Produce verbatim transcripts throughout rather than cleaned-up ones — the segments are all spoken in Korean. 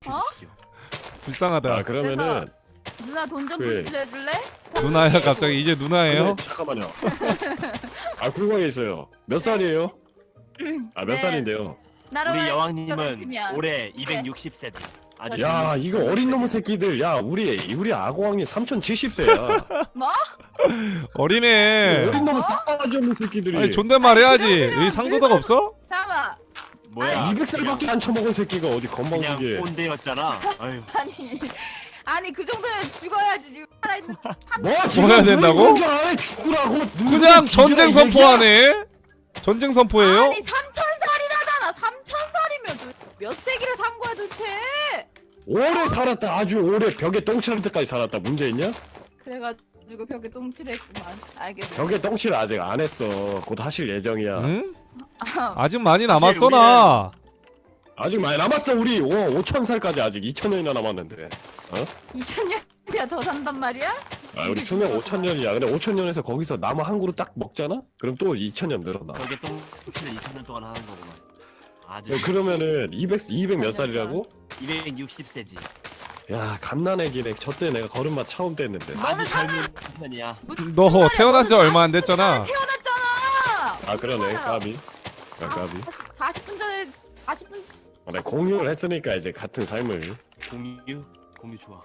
어? 불쌍하다. 아 그러면은 누나 돈 좀 그래. 빌려줄래? 누나야 갑자기 이제 누나예요? 근데 잠깐만요. 아 쿨광에 있어요. 몇 살이에요? 아 몇 네. 살인데요? 나로 우리 같으면. 여왕님은 올해 이백육십 세지. 아주 야 이거 어린 놈의 새끼들. 야 우리 우리 아고왕님 삼천칠십 세야. 뭐? 어리네. 어린 놈의 싸가지 없는 새끼들이. 아니 존댓말 해야지. 아니, 여기 상도덕 없어? 잠깐만. 뭐야? 이백 살밖에 안 처먹은 새끼가 어디 그냥 건방지게. 꼰대였잖아. 아유. 아니 아니 그 정도면 죽어야지 지금 살아있는. 뭐 죽어야 된다고? 안에 죽으라고. 그냥 전쟁 선포하네. 전쟁 선포예요? 아니 삼천 살이라잖아. 삼천 살이면 몇 세기를 산 거야 도대체? 오래 살았다. 아주 오래 벽에 똥칠할 때까지 살았다. 문제 있냐? 그래가지고 벽에 똥칠했구만. 알겠어. 벽에 똥칠 아직 안 했어. 곧 하실 예정이야. 응? 아직 많이 남았어 나. 아직 많이 남았어. 우리 오천 살까지 아직 이천 년이나 남았는데. 이천 년이야 더 산단 말이야? 아 우리 수명 오천 년이야. 근데 오천 년에서 거기서 나무 한 그루 딱 먹잖아? 그럼 또 이천 년 늘어나. 저게 똥치를 이천 년 동안 하는 거구만. 아주 야, 그러면은 이백, 이백 몇 살이라고? 이백육십 세지. 야 갓난애기네. 저때 내가 걸음마 처음 뗐는데. 너는 아주 젊은 편이야. 너 태어난 지 얼마 안 됐잖아. 태어났잖아. 아 그러네 까비. 아 까비. 사십 분 전에 사십 분. 아, 내가 공유를 했으니까 이제 같은 삶을. 공유? 공유 좋아.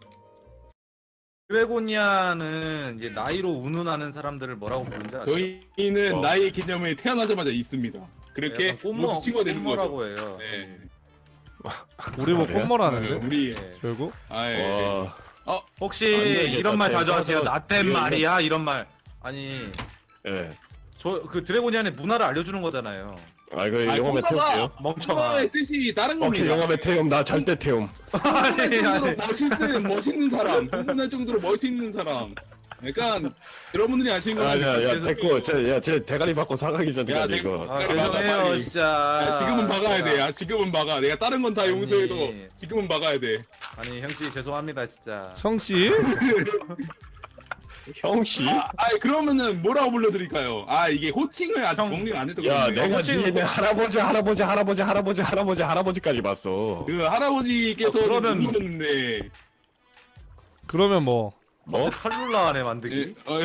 드래고니아는 이제 나이로 운운하는 사람들을 뭐라고 부르는지 아세요? 저희는 어. 나이 개념이 태어나자마자 있습니다. 그렇게 약간 꽃모, 친구가 되는 거죠. 꽃모라고 해요. 네. 우리 뭐 그래요? 꽃모라는데? 우리 네. 결국? 아 예. 와. 혹시 아니, 이게 이런 말 나 자주 하세요? 대화에서 나 땐 이런 말이야 이런 말. 아니 예. 저 그 드래고니아의 문화를 알려주는 거잖아요. 아 이거 아, 영화에 태울게요. 멍청아. 의 뜻이 다른 오케이 겁니다. 영화에 태움. 나 절대 태움. 아니 정도로 아니. 멋있는 멋있는 사람, 흥분할 정도로 멋있는 사람. 그러니까 여러분들이 아시는 거 아야야 죄송해요. 됐고 저야제 대가리 받고 사가기 전까지 야, 이거. 아, 빨리 막아, 죄송해요 빨리. 진짜. 야, 지금은 박아야 돼. 야, 지금은 박아. 내가 다른 건 다 용서해도 아니. 지금은 박아야 돼. 아니 형씨 죄송합니다 진짜. 형씨? 형씨? 아, 그러면은 뭐라고 불러드릴까요? 아 이게 호칭을 아직 형. 정리를 안 해서 야 그런데 내가 호칭- 니네 할아버지 할아버지 할아버지 할아버지 할아버지 할아버지까지 봤어. 그 할아버지께서 아, 그러면- 누구셨는데 그러면 뭐? 뭐? 칼룰라 안에 예, 만들기. 어,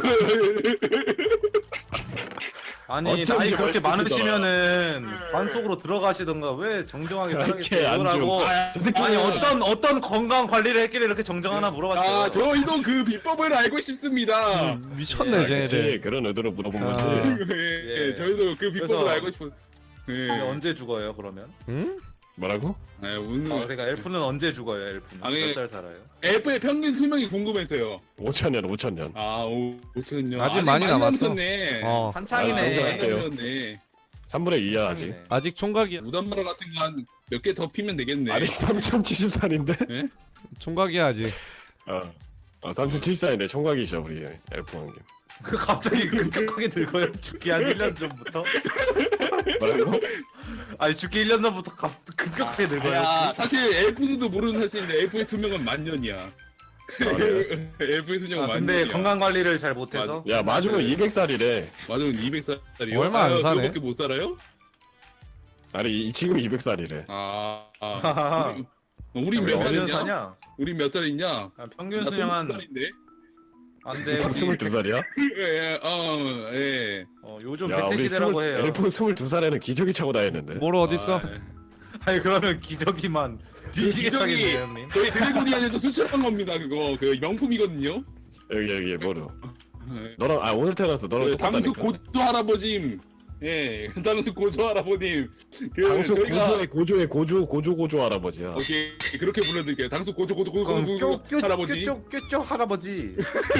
아니 어쩐지 나이 그렇게 멋있으시더라. 많으시면은 관 속으로 들어가시던가 왜 정정하게 이렇게 안 살아계시라고. 줘. 아, 저 새끼는 아니 어떤 어떤 건강 관리를 했길래 이렇게 정정하나 물어봤어요. 아 저희도 그 비법을 알고 싶습니다. 미쳤네 아, 쟤네들. 그치. 그런 의도로 물어본 아. 거지. 예, 예. 저희도 그 비법을 그래서- 알고 싶어. 예. 근데 언제 죽어요 그러면? 응? 뭐라고? 아, 오늘 아, 그러니까 엘프는 언제 죽어요 엘프는? 아, 예. 몇 살 살아요? 엘프의 평균 수명이 궁금해서요. 오천 년 오천 년. 아, 오, 오천 년. 아직 많이 남았어. 남았네. 어. 아, 한창이네. 정정할게요. 남았네. 삼분의 이야 아직. 한창이네. 아직 총각이야. 무단마라 같은 거 한 몇 개 더 피면 되겠네. 아직 삼천칠십 살인데? 총각이야 아직. 어. 어 삼천칠십 살인데 총각이셔 우리 엘프 왕님. 그 갑자기 급격하게 늙어요? 죽기 한 일 년 전부터? 뭐라고? 아니 죽기 일 년 전부터 갑, 급격하게 늙어요? 야, 사실 엘프도 모르는 사실인데 엘프의 수명은 만 년이야. 아, 그래? 엘프의 수명은 아, 만 근데 년이야. 건강 관리를 잘 못해서? 야 맞으면 이백 살이래. 맞으면 이백 살이요? 얼마 안 사네. 그거밖에 못 살아요? 아니 이- 지금 이백 살이래. 아, 아. 우리, 우리 몇 몇 몇 년 살이냐? 사냐? 우리 몇 살이냐? 아, 평균 나 수명 한 스무 살인데. 안돼 스물두 살이야? 예, 어, 예. 어, 요즘 야 백세 우리 시대라고 스물, 해요. 엘프 스물두 살에는 기저귀 차고 다녔는데. 뭘 어딨어? 아, 예. 아니 그러면 기저귀만 뒤지게 기저귀- 차겠네요 형님. 저희 드래곤이안에서 수출한 겁니다. 그거 그 명품이거든요. 여기 여기 뭐로? 예. 너랑 아 오늘 태어났어. 너랑 그 당수 똑같다니까. 고조 할아버님, 예, 당수 고조 할아버님. 그 당수 저희가 고조의 고조의 고조 고조 고조 할아버지야. 오케이 그렇게 불러드릴게요. 당수 고조 고조 고조 그럼 고조 껴, 껴, 할아버지. 껴, 껴, 껴 할아버지.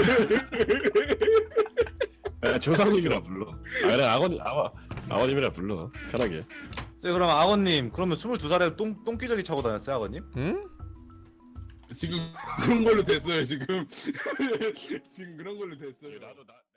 야, 조상님이라 불러. 아 그래 아버님 아버 아버님이라 불러. 편하게. 네, 그럼 아버님 그러면 스물두 살에 똥 똥기저귀 차고 다녔어요 아버님? 응? 지금 그런 걸로 됐어요. 지금 지금 그런 걸로 됐어요. 나도 나.